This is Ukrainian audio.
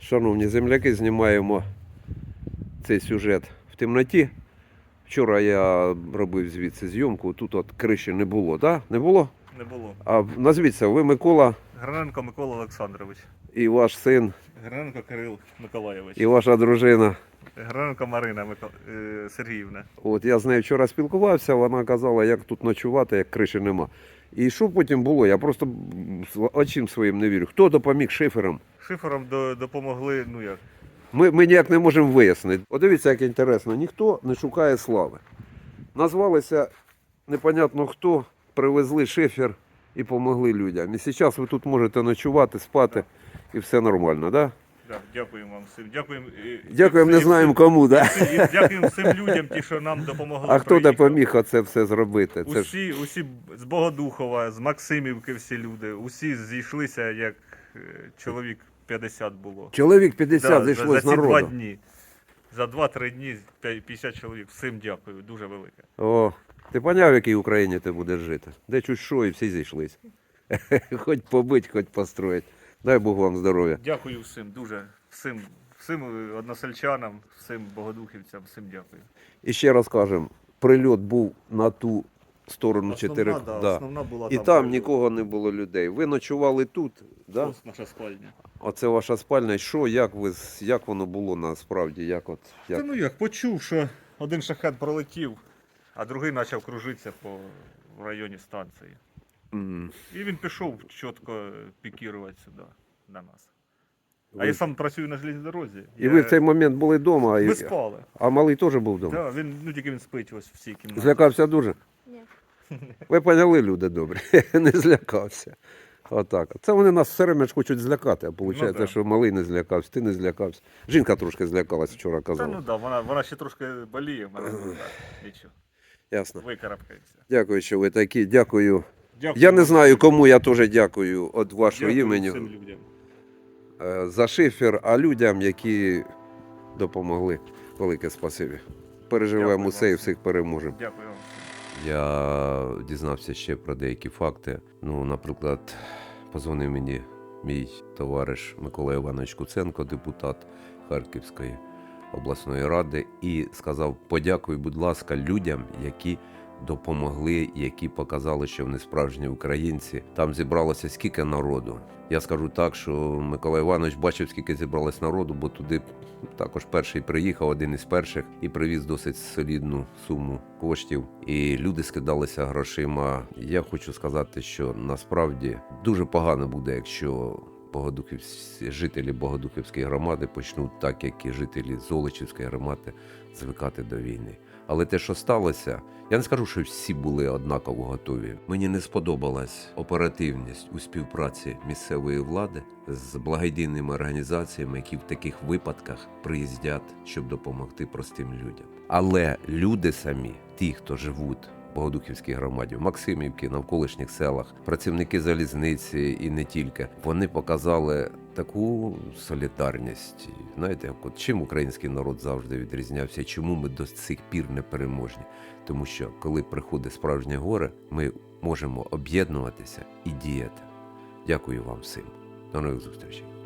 Шановні земляки, знімаємо цей сюжет в темноті. Вчора я робив звідси зйомку, тут от криші не було, так? Не було? Не було. А назвіться, ви Микола Граненко Микола Олександрович. і ваш син, Граненко Кирил Миколайович. і ваша дружина. Граненко Марина Сергіївна. От я з нею вчора спілкувався, вона казала, як тут ночувати, як криші нема. І що потім було? Я просто очим своїм не вірю. Хто допоміг шиферам? Шиферам допомогли, ну як. Ми ніяк не можемо вияснити. От дивіться, як інтересно, ніхто не шукає слави. Назвалися непонятно хто, привезли шифер і допомогли людям. І зараз ви тут можете ночувати, спати і все нормально, так? Да, дякуємо вам всім. Дякуємо, не знаємо кому, так? Дякуємо всім людям, ті, що нам допомогли. А хто допоміг оце все зробити? Це Усі з Богодухова, з Максимівки всі люди, усі зійшлися, як чоловік 50 було. Чоловік 50 зійшло за з ці 2 народу. дні. За 2-3 дні 50 чоловік. Всім дякую, дуже велике. О, ти поняв, в якій Україні ти будеш жити? Де чуть що і всі зійшлись. Хоч побить, хоч построїть. Дай Бог вам здоров'я. Дякую всім, дуже. Всім односельчанам, всім богодухівцям, всім дякую. І ще раз кажемо, прильот був на ту сторону 4. Основна була І там нікого не було людей. Ви ночували тут, да? Ось наша спальня. Оце ваша спальня. І що, як воно було насправді? Як? Та ну як, почув, що один шахет пролетів, а другий почав кружитися в районі станції. І він пішов чітко пікірувати сюди, на нас. А я сам працюю на железній дорозі. І ви в цей момент були вдома, Ми спали. а малий теж був вдома? Так, тільки він спить ось в цій кімнаті. Злякався дуже? Ні. Ви поняли, люди добрі, не злякався. Отак. Це вони нас все время ж хочуть злякати, а виходить, да. що малий не злякався, ти не злякався. Жінка трошки злякалась вчора, Та казала. ну так, вона ще трошки боліє, в мене нічого. Ясно. Викарабкається. Дякую, що ви такі. Дякую. Дякую. Я не знаю, кому я теж дякую від вашого Дякую імені всім людям. за шифер, а людям, які допомогли. Велике спасибі. Переживемо Дякую усе і вам. всіх переможемо. Дякую вам. Я дізнався ще про деякі факти. Ну, наприклад, позвонив мені мій товариш Микола Іванович Куценко, депутат Харківської обласної ради, і сказав: подякуй, будь ласка, людям, які допомогли, які показали, що вони справжні українці. Там зібралося скільки народу. Я скажу так, що Микола Іванович бачив, скільки зібралось народу, бо туди також перший приїхав, один із перших, і привіз досить солідну суму коштів. І люди скидалися грошима. Я хочу сказати, що насправді дуже погано буде, якщо жителі Богодухівської громади почнуть, так як і жителі Золочівської громади, звикати до війни. Але те, що сталося, я не скажу, що всі були однаково готові. Мені не сподобалась оперативність у співпраці місцевої влади з благодійними організаціями, які в таких випадках приїздять, щоб допомогти простим людям. Але люди самі, ті, хто живуть в Богодухівській громаді, в Максимівці, навколишніх селах, працівники залізниці і не тільки, вони показали таку солідарність. Знаєте, як от чим український народ завжди відрізнявся, чому ми до цих пір не переможні? Тому що, коли приходить справжнє горе, ми можемо об'єднуватися і діяти. Дякую вам всім. До нових зустрічей.